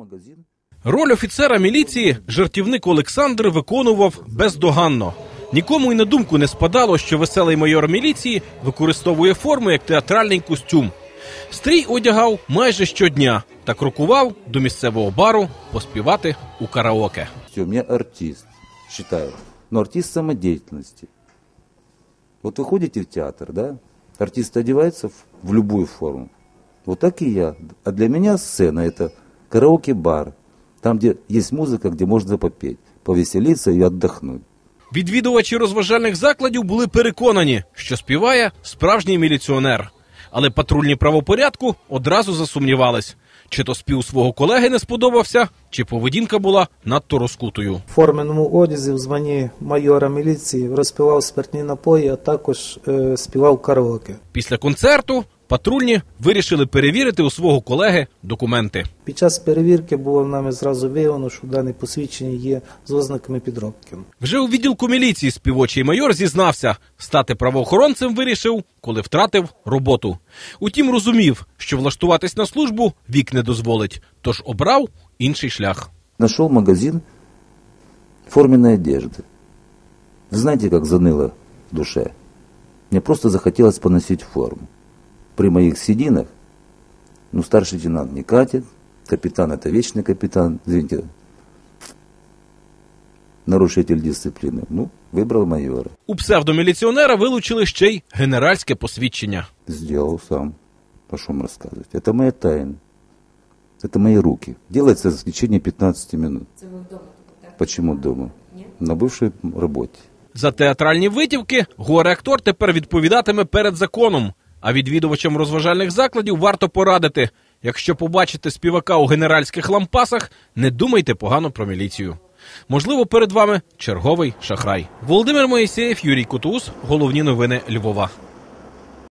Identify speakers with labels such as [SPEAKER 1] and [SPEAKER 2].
[SPEAKER 1] Роль офіцера міліції жартівник Олександр виконував бездоганно. Нікому й на думку не спадало, що веселий майор міліції використовує форму як театральний костюм. Стрій одягав майже щодня та крокував до місцевого бару поспівати у караоке.
[SPEAKER 2] У меня артист, считаю, но артист самодеятельности. Вот вы ходите в театр, да? Артист одевается в любую форму. Вот так и я. А для меня сцена – это караоке-бар. Там, где есть музыка, где можно попеть, повеселиться и отдохнуть.
[SPEAKER 1] Відвідувачі розважальних закладів були переконані, що співає справжній міліціонер. Але патрульні правопорядку одразу засумнівались. Чи то спів свого колеги не сподобався, чи поведінка була надто розкутою.
[SPEAKER 3] В форменому одязі в званні майора міліції розпивав спиртні напої, а також співав караоке.
[SPEAKER 1] Після концерту патрульні вирішили перевірити у свого колеги документи.
[SPEAKER 3] Під час перевірки було нами зразу виявлено, що дане посвідчення є з ознаками підробки.
[SPEAKER 1] Вже у відділку міліції співочий майор зізнався, стати правоохоронцем вирішив, коли втратив роботу. Утім, розумів, що влаштуватись на службу вік не дозволить, тож обрав інший шлях.
[SPEAKER 2] Нашел магазин форменной одежды. Вы знаете, как заныло в душе? Мне просто захотелось поносить форму. При моих сединах, старший лейтенант не катит, капитан – это вечный капитан, извините, нарушитель дисциплины. Выбрал майора.
[SPEAKER 1] У псевдоміліціонера вилучили ще й генеральське посвідчення.
[SPEAKER 2] Сделал сам. О чем рассказывать? Это моя тайна. Это мои руки. Делается в течение 15 минут.
[SPEAKER 4] Це ви вдома? Так?
[SPEAKER 2] Почему дома?
[SPEAKER 4] Нет?
[SPEAKER 2] На бывшей работе.
[SPEAKER 1] За театральні витівки горе-актор тепер відповідатиме перед законом. А відвідувачам розважальних закладів варто порадити. Якщо побачите співака у генеральських лампасах, не думайте погано про міліцію. Можливо, перед вами черговий шахрай. Володимир Моїсеєв, Юрій Кутуз. Головні новини Львова.